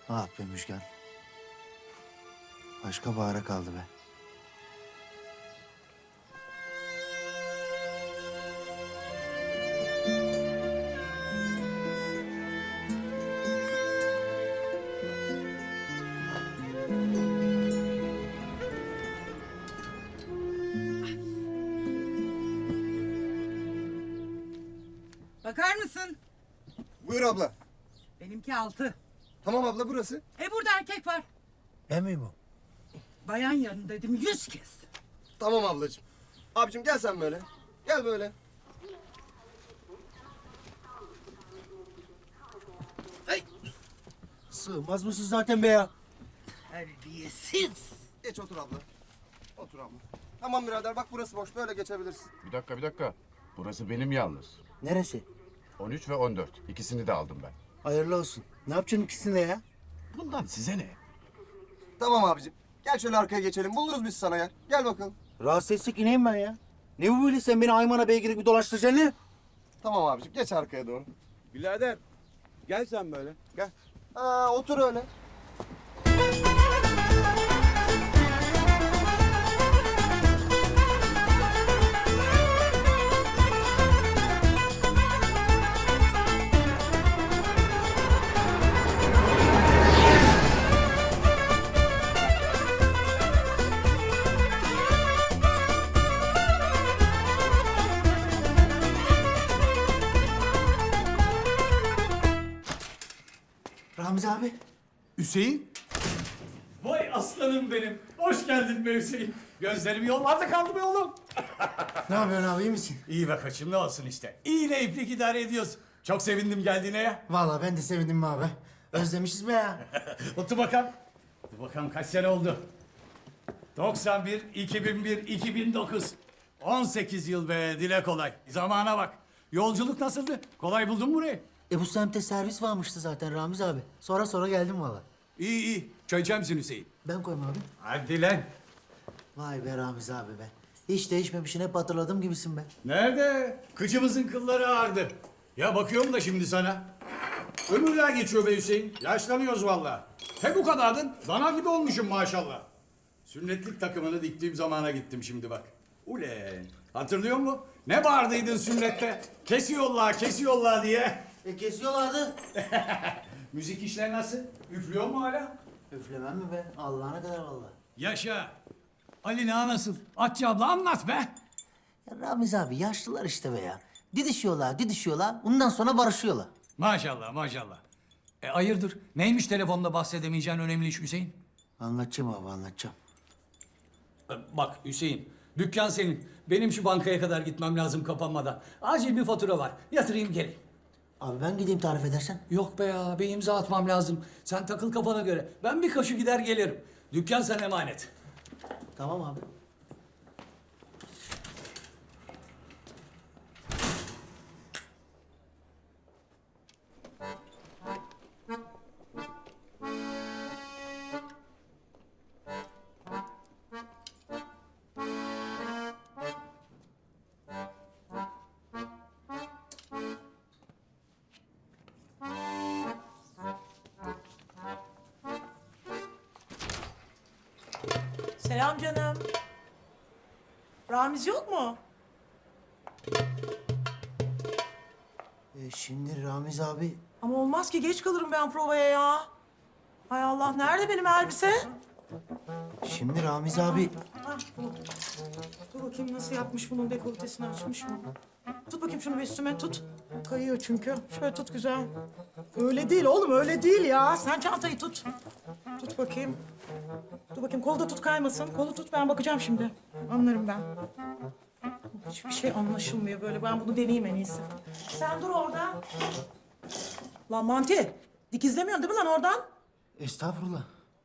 Ah be Müjgan. Başka bahara kaldı be. Bakar mısın? Buyur abla. Benimki 6. Tamam abla burası. Burada erkek var. Ben miyim o? Bayan yarın dedim 100 kez. Tamam ablacığım. Abicim gel sen böyle. Gel böyle. Sığmaz mısın zaten be ya? Terbiyesiz. Geç otur abla. Otur abla. Tamam birader bak burası boş. Böyle geçebilirsin. Bir dakika. Burası benim yalnız. Neresi? 13 ve 14. İkisini de aldım ben. Hayırlı olsun. Ne yapacaksın ikisini de ya? Bundan size ne? Tamam abicim. Gel şöyle arkaya geçelim. Buluruz biz sana yer. Gel bakalım. Rahatsız etsek ineyim ben ya. Ne bu böyle sen beni Ayman'a beygir gibi dolaştıracaksın ne? Tamam abicim. Geç arkaya doğru. Birader gel sen böyle. Gel. Otur öyle. Ramiz abi. Hüseyin. Vay aslanım benim. Hoş geldin be Hüseyin. Gözlerim yollarda kaldı be oğlum. Ne yapıyorsun abi iyi misin? İyi be koçum ne olsun işte. İyiyle iplik idare ediyoruz. Çok sevindim geldiğine ya. Vallahi ben de sevindim be abi. Özlemişiz be ya. Otur bakalım. Dur bakalım kaç sene oldu? 91, 2001, 2009. 18 yıl be dile kolay. Zamana bak. Yolculuk nasıldı? Kolay buldun mu burayı? Bu semtte servis varmıştı zaten Ramiz abi. Sonra geldim valla. İyi iyi. Çay içer misin Hüseyin? Ben koyayım abi. Hadi lan. Vay be Ramiz abi be. Hiç değişmemişsin hep hatırladığım gibisin be. Nerede? Kıçımızın kılları ağardı. Ya bakıyorum da şimdi sana. Ömürler geçiyor be Hüseyin. Yaşlanıyoruz vallahi. He bu kadardın. Dana gibi olmuşum maşallah. Sünnetlik takımını diktiğim zamana gittim şimdi bak. Ulen. Hatırlıyor musun? Ne bağırdıydın sünnette? Kesiyorlar diye. Kesiyorlardı. Müzik işler nasıl? Üflüyor mu hala? Üflemem mi be? Allah'ına kadar valla. Yaşa. Ali Ağa nasıl? Atçı abla anlat be. Ya Ramiz abi yaşlılar işte be ya. Didişiyorlar. Ondan sonra barışıyorlar. Maşallah. Hayırdır? Neymiş telefonda bahsedemeyeceğin önemli iş Hüseyin? Anlatacağım abi anlatacağım. Bak Hüseyin, dükkan senin. Benim şu bankaya kadar gitmem lazım kapanmadan. Acil bir fatura var. Yatırayım geleyim. Abi ben gideyim tarif edersen. Yok be ya, bir imza atmam lazım. Sen takıl kafana göre. Ben bir koşu gider gelirim. Dükkan sana emanet. Tamam abi. Selam canım. Ramiz yok mu? Şimdi Ramiz abi Ama olmaz ki geç kalırım ben provaya ya. Hay Allah nerede benim elbise? Şimdi Ramiz abi Ha, bu. Dur bakayım nasıl yapmış bunun dekoltesini açmış mı? Tut bakayım şunu bir üstüme tut. Kayıyor çünkü. Şöyle tut güzel. Öyle değil oğlum öyle değil ya. Sen çantayı tut. Tut bakayım. Dur bakayım kolu da tut kaymasın. Kolu tut ben bakacağım şimdi. Anlarım ben. Hiçbir şey anlaşılmıyor böyle. Ben bunu deneyeyim en iyisi. Sen dur orada. Lan Manti. Dikizlemiyorsun değil mi lan oradan? estağfurullah.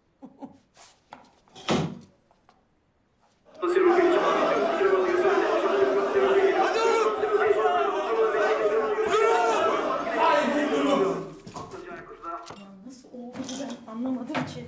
Nasıl oldu ben anlamadım ki.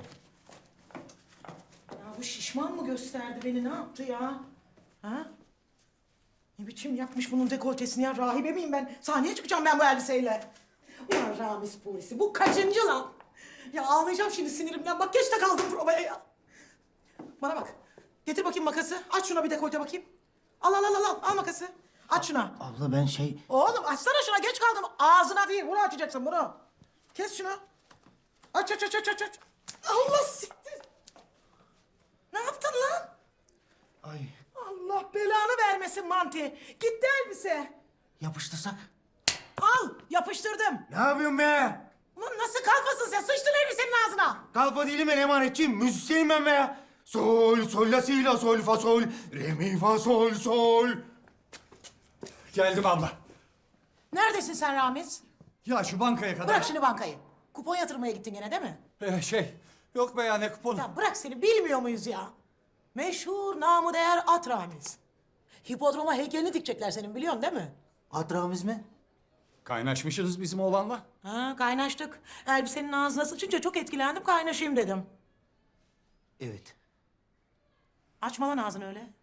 Ya bu şişman mı gösterdi beni ne yaptı ya? Ha? Ne biçim yapmış bunun dekoltesini ya? Rahibe miyim ben? Sahneye çıkacağım ben bu elbiseyle. Ulan Ramiz polisi bu kaçıncı lan? Ya ağlayacağım şimdi sinirimden. Bak geç de kaldım provaya ya. Bana bak. Getir bakayım makası. Aç şuna bir dekolte bakayım. Al makası. Aç şuna. Abla ben şey... Oğlum açsana şuna, geç kaldım. Ağzına değil, bunu açacaksın bunu. Kes şunu. Aç. Allah siktir. Ne yaptın lan? Ay Allah belanı vermesin Manti. Gitti elbise. yapıştırsak. Al, yapıştırdım. Ne yapıyorsun be? Ulan nasıl kalfasın sen? Sıçtın elbisenin ağzına. Kalfa değilim ben emanetçiyim. Müzisyenim ben be ya. Sol, la, si, la, sol, fa, sol. Re, mi, fa, sol, sol. Geldim abla. Neredesin sen Ramiz? Ya şu bankaya kadar. Bırak şimdi bankayı. Kupon yatırmaya gittin gene değil mi? Yok be ya ne kuponu. Ya bırak seni, bilmiyor muyuz ya? Meşhur, namı değer at Ramiz. Hipodroma heykelini dikecekler senin, biliyorsun değil mi? Adramız mı? Kaynaşmışsınız bizim oğlanla. Ha, kaynaştık. Elbisenin ağzına sıçınca çok etkilendim, kaynaşayım dedim. Evet. Açma lan ağzını öyle.